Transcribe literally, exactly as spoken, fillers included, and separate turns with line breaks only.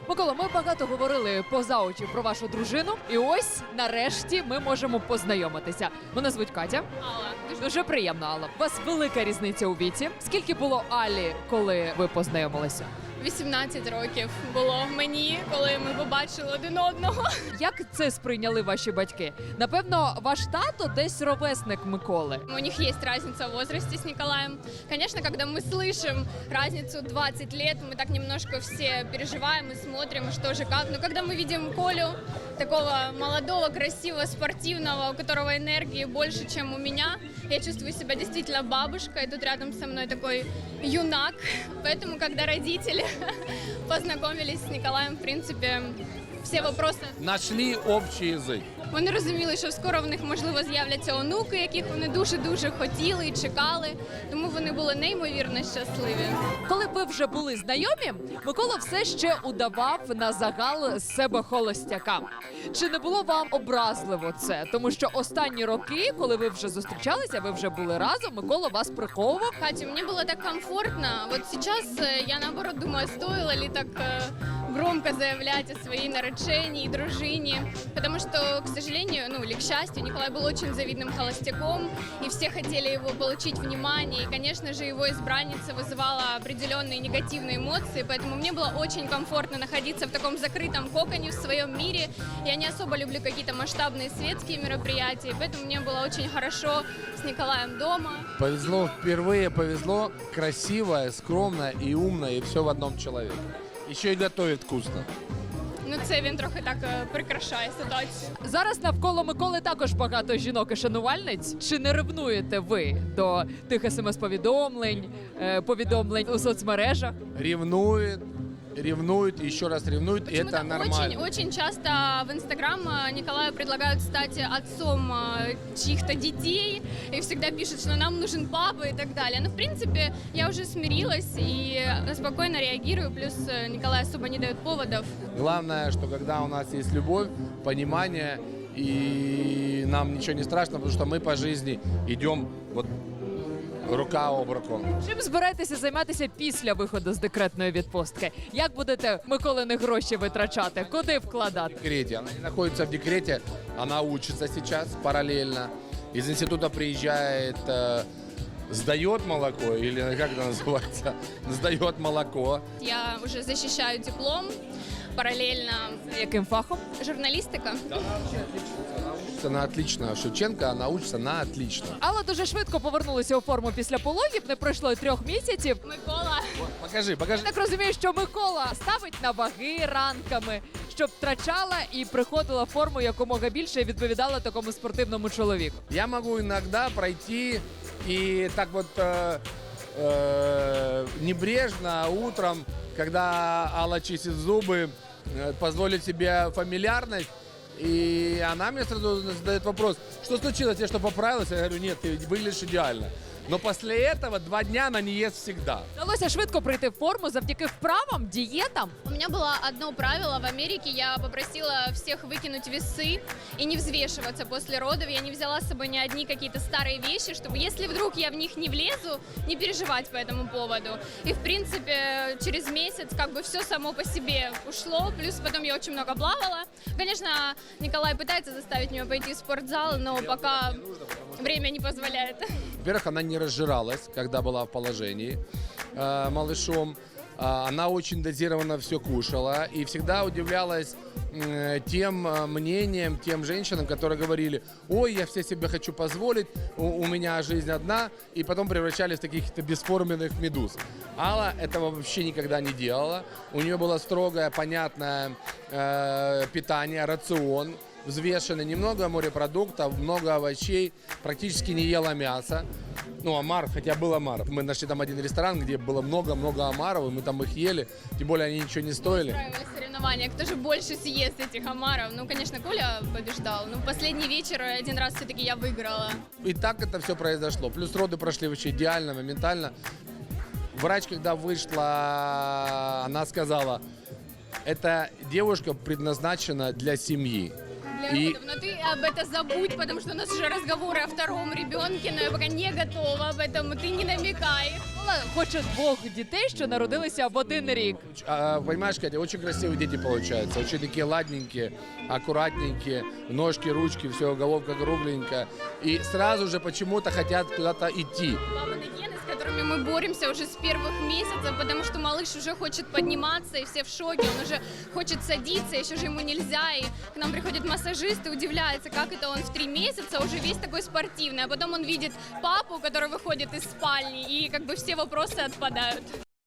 Микола, ми багато говорили поза очі про вашу дружину, і ось нарешті ми можемо познайомитися. Мене звуть Катя.
Алла.
Дуже, дуже приємно, Алла. У вас велика різниця у віці. Скільки було Алі, коли ви познайомилися?
вісімнадцять років було мені, коли ми побачили один одного.
Як це сприйняли ваші батьки? Напевно, ваш тато десь ровесник Миколи.
У них есть разница в возрасте с Николаем. Конечно, когда мы слышим разницу двадцать лет, мы так немножко все переживаем и смотрим, что же как. Но когда мы видим Колю, такого молодого, красивого, спортивного, у которого энергии больше, чем у меня, я чувствую себя действительно бабушкой. Тут рядом со мной такой юнак. Поэтому, когда родители познайомились з Николаєм, в принципі, всі вопроси.
Нашли общий язик.
Вони розуміли, що скоро в них, можливо, з'являться онуки, яких вони дуже-дуже хотіли і чекали. Тому вони були неймовірно щасливі.
Коли ви вже були знайомі, Микола все ще удавав на загал з себе холостяка. Чи не було вам образливо це? Тому що останні роки, коли ви вже зустрічалися, ви вже були разом, Микола вас приховував.
Катя, мне было так комфортно. Вот сейчас э, я, наоборот, думаю, стоило ли так э, громко заявлять о своей наречении и дружине. Потому что, к сожалению, ну или к счастью, Николай был очень завидным холостяком, и все хотели его получить внимание. И, конечно же, его избранница вызывала определенные негативные эмоции, поэтому мне было очень комфортно находиться в таком закрытом коконе в своем мире. Я не особо люблю какие-то масштабные светские мероприятия, поэтому мне было очень хорошо с Николаем дома.
Повезло впервые, повезло. Красивая, скромная и умная, и все в одном человеке. Еще и готовит вкусно.
Ну, це він трохи так е, прикрашає ситуацію.
Зараз навколо Миколи також багато жінок і шанувальниць. Чи не ревнуєте ви до тих смс-повідомлень, е, повідомлень у соцмережах?
Ревнует, ревнует, еще раз ревнует, и это
Почему-то
нормально.
Очень, очень часто в Инстаграм э, Николаю предлагают стать отцом э, чьих-то детей и всегда пишут, что нам нужен папа и так далее. Но, в принципе, я уже смирилась и спокойно реагирую, плюс э, Николай особо не дает поводов.
Главное, что когда у нас есть любовь, понимание, и нам ничего не страшно, потому что мы по жизни идем вот рука об руку.
Чим збираєтеся займатися після виходу з декретної відпустки? Як будете Миколини гроші витрачати? Куди вкладати?
В декрете. Она не находится в декрете, она учится сейчас параллельно. Из института приезжает, э, сдает молоко, или как это называется, сдает молоко.
Я уже защищаю диплом параллельно.
Яким фахом?
Журналистика.
Она отлично, Шевченко, она учится на отлично.
Алла дуже швидко повернулася у форму після пологів, не пройшло й трьох місяців.
Микола.
Покажи, покажи.
Я так розумію, що Микола ставить на ваги ранками, щоб втрачала і приходила в форму якомога більше і відповідала такому спортивному чоловіку.
Я могу иногда пройти и так вот э, э, небрежно утром, когда Алла чистит зубы, э, позволить себе фамильярность. И она мне сразу задает вопрос, что случилось, я что, поправилась? Я говорю, нет, ты выглядишь идеально. Но после этого два дня она не ест всегда.
Вдалося швидко прийти в форму завдяки вправам, дієтам.
У меня было одно правило в Америке. Я попросила всех выкинуть весы и не взвешиваться после родов. Я не взяла с собой ни одни какие-то старые вещи, чтобы, если вдруг я в них не влезу, не переживать по этому поводу. И, в принципе, через месяц как бы все само по себе ушло. Плюс потом я очень много плавала. Конечно, Николай пытается заставить меня пойти в спортзал, но пока время не позволяет.
Во-первых, она не разжиралась, когда была в положении э, малышом. А, Она очень дозированно все кушала и всегда удивлялась э, тем э, мнениям, тем женщинам, которые говорили, ой, я все себе хочу позволить, у, у меня жизнь одна, и потом превращались в таких-то бесформенных медуз. Алла этого вообще никогда не делала. У нее было строгое, понятное э, питание, рацион, взвешенный, немного морепродуктов, много овощей, практически не ела мясо. Ну, омар, хотя был омар. Мы нашли там один ресторан, где было много-много омаров, и мы там их ели, тем более они ничего не стоили.
Устраивали соревнования, кто же больше съест этих омаров. Ну, конечно, Коля побеждал, но последний вечер один раз все-таки я выиграла.
И так это все произошло. Плюс роды прошли вообще идеально, моментально. Врач, когда вышла, она сказала, эта девушка предназначена для семьи.
Для
И-
родов. Но ты об этом забудь, потому что у нас уже разговоры о втором ребенке, но я пока не готова об этом, ты не намекай.
мама хоче двох дітей, що народилися в один рік.
А, понимаешь, Катя, очень красивые дети получаются, очень такие ладненькие, аккуратненькие, ножки, ручки, все, головка кругленькая. И сразу же почему-то хотят куда-то идти.
Мамины гены, с которыми мы боремся уже с первых месяцев, потому что малыш уже хочет подниматься, и все в шоке, он уже хочет садиться, еще же ему нельзя, и к нам приходит массажист и удивляется, как это он в три месяца уже весь такой спортивный, а потом он видит папу, который выходит из спальни, и как бы все вопросы отпадают.